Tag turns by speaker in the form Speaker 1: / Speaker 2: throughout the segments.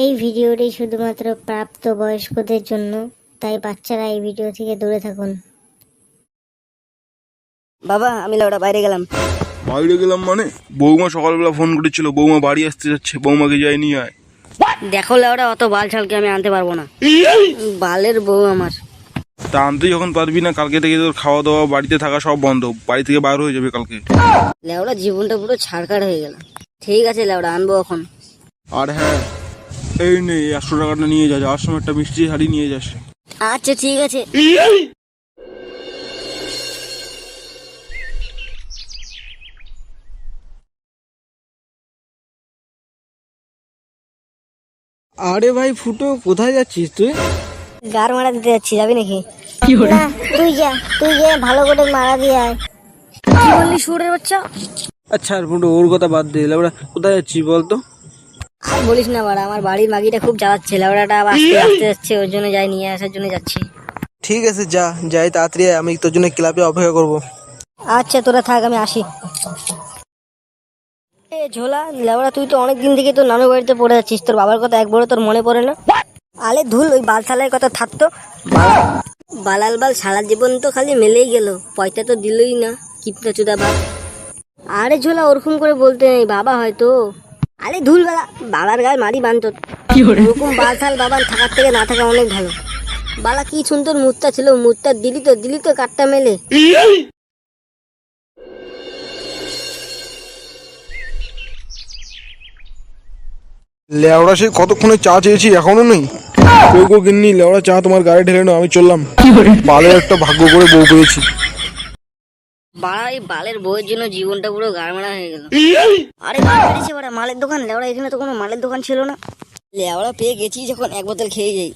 Speaker 1: এই ভিডিওটি শুধুমাত্র প্রাপ্তবয়স্কদের জন্য, তাই বাচ্চারা এই ভিডিও থেকে দূরে থাকুন।
Speaker 2: বাবা আমি লাউডা বাইরে গেলাম।
Speaker 3: বাইরে গেলাম মানে? বৌমা সকালবেলা ফোন করেছিল, বৌমা বাড়ি আসতে যাচ্ছে, বৌমাকে যাই নিয়ে আয়।
Speaker 2: দেখো লাউডা, অত বাল ছালকে আমি আনতে পারবো না, বালের বউ আমার।
Speaker 3: তা আনতে যখন পারবি না, কালকে থেকে তোর খাওয়া দাওয়া বাড়িতে থাকা সব বন্ধ, বাড়ি থেকে বার হয়ে যাবে কালকে।
Speaker 2: লাউডা জীবনটা পুরো ছাড়কাড় হয়ে গেল। ঠিক আছে লাউডা, আনবো এখন।
Speaker 3: আর হ্যাঁ, এই নে 100 টাকাটা নিয়ে যা, যাওয়ার সময় একটা মিষ্টি হাড়ি নিয়ে যাস।
Speaker 2: আচ্ছা ঠিক আছে।
Speaker 4: আরে ভাই ফুটো, কোথায় যাচ্ছিস তুই?
Speaker 2: গার মারা দিতে যাচ্ছি, যাবি নাকি?
Speaker 1: না, তুই যে ভালো করে মারা দিয়ে আয়।
Speaker 2: কি বললি শুয়োরের বাচ্চা?
Speaker 4: আচ্ছা আর ফুটো, ওর কথা বাদ দে, ওরা কোথায় যাচ্ছিস বলতো?
Speaker 2: আর বলিস না বাড়া, আমার বাড়ির মাগিটা খুব জ্বালাচ্ছে, লাউডাটা আবার আসতে যাচ্ছে, ওর জন্য যাই, নিয়ে আসার জন্য যাচ্ছি।
Speaker 4: ঠিক আছে যাই তাড়াতাড়ি আয়, আমি তোর জন্য ক্লাবে অপেক্ষা করবো।
Speaker 2: আচ্ছা তোরা থাক, আমি আসি। এ ঝোলা, লেবড়া তুই তো অনেকদিন থেকে তোর নানু বাড়িতে পড়ে যাচ্ছিস, তোর বাবার কথা একবারও তোর মনে পড়ে না? আলে ধুল, ওই বালসালের কথা থাকতো। বালাল বাল সারা জীবন তো খালি মেলেই গেল, পয়সা তো দিলই না, কিপটা চুদা বাপ। আরে ঝোলা, ওরকম করে বলতে নেই, বাবা হয়তো। আরে ধুল বেলা, বাবার গায়ে মারি বানতো। ওরকম বালসাল বাবার থাকার থেকে না থাকা অনেক ভালো। বালা কি সুন্দর মুত্তা ছিল, মুত্তা দিলি তো কাটটা মেলে।
Speaker 3: লেওড়া সেই কতক্ষণে চা চেয়েছি, এখনো নেই। গো গিন্নি, লেওড়া চা তোমার গাড়ি ঢেলে নাও, আমি চললাম। বালের একটা ভাগ্য করে বউ পেয়েছি।
Speaker 2: বাড়া, এই বালের বউয়ের জন্য জীবনটা পুরো গাড়মাড়া হয়ে গেল। আরে গাড় বেরিয়েছে বাড়া, মালের দোকান। লেওড়া, এখানে তো কোনো মালের দোকান ছিল না। লেওড়া পেয়ে গেছি যখন, এক বোতল খেয়ে যাই।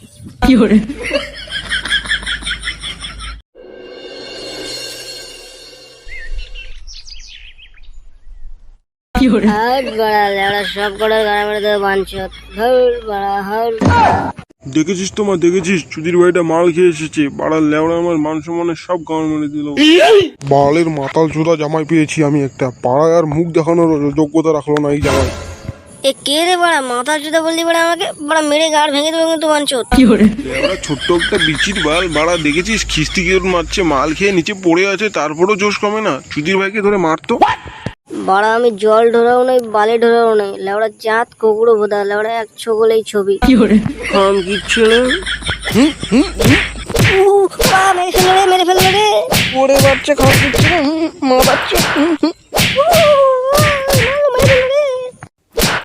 Speaker 2: হাট বাড়া, লেওড়া সব কটার গাড়া মেরে দেবে বাঞ্চত। হল বাড়া, হল।
Speaker 3: দেখেছিস দেখেছিস চুদির বাড়িটা মাল খেয়ে এসেছে, বাড়ার লেওড়া আমার মান সম্মানের সব গান মেরে দিল। বালের মাতাল চোদা জামাই পেয়েছি আমি একটা, পাড়ায় আর মুখ দেখানোর যোগ্যতা রাখলো না এই জামাই।
Speaker 2: এ কে রে বাড়া, মাথা চুদা বললি বাড়া আমাকে? বাড়া মেরে গাড় ভেঙে দেবে কিন্তু বাঞ্চত।
Speaker 3: লেওড়া ছোট্ট একটা বিচির বাল, বাড়া দেখেছিস খিস্তি কি মারছে, মাল খেয়ে নিচে পড়ে আছে, তারপরেও জোশ কমে না, চুদির ভাইকে ধরে মারতো।
Speaker 2: বাড়া আমি জল ঢোরাও নাই, বালে ঢোরাও নাই, লেওড়া জাত কুকুরো ভোদা, লেওড়া এক ছগলেই ছবি। খাম কিচ্ছু না। মেরে ফেললো রে।
Speaker 4: ওরে বাচ্চা, খাওয়া দিচ্ছে না, মা বাচ্চা।